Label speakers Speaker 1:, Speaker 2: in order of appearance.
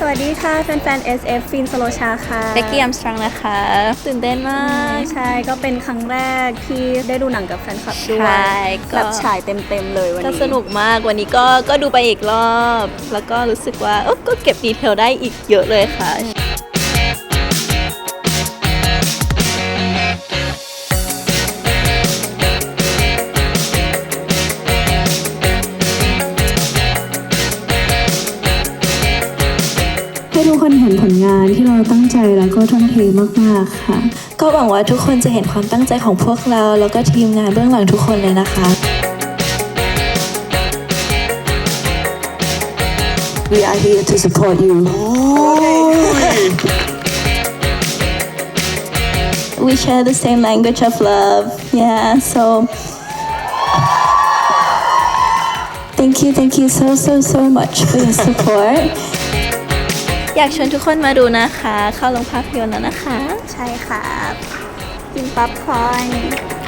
Speaker 1: วัสดีค่ะแฟนๆ SF ฟินสโลชาค่ะ
Speaker 2: เบกกี้อัมสตรองนะคะตื่นเต้นมาก
Speaker 1: ใช่ก็เป็นครั้งแรกที่ได้ดูหนังกับแฟนคลับด้วยแบบฉายเต็มๆเลยวันนี้
Speaker 2: ก็สนุกมากวันนี้ก็ดูไปอีกรอบแล้วก็รู้สึกว่าก็เก็บดีเทลได้อีกเยอะเลยค่ะ
Speaker 3: ให้ทุกคนเห็นผลงานที่เราตั้งใจแล้วก็ทุ่มเทมากๆค่ะ
Speaker 4: ก็หวังว่าทุกคนจะเห็นความตั้งใจของพวกเราแล้วก็ทีมงานเบื้องหลังทุกคนเลยนะคะ
Speaker 3: We are here to support you
Speaker 4: We share the same language of love yeah so thank you so much for your support
Speaker 2: อยากชวนทุกคนมาดูนะคะเข้าโรงภาพยนตร์แล้วนะคะ
Speaker 1: ใช่ค่ะกินป๊อปคอร์น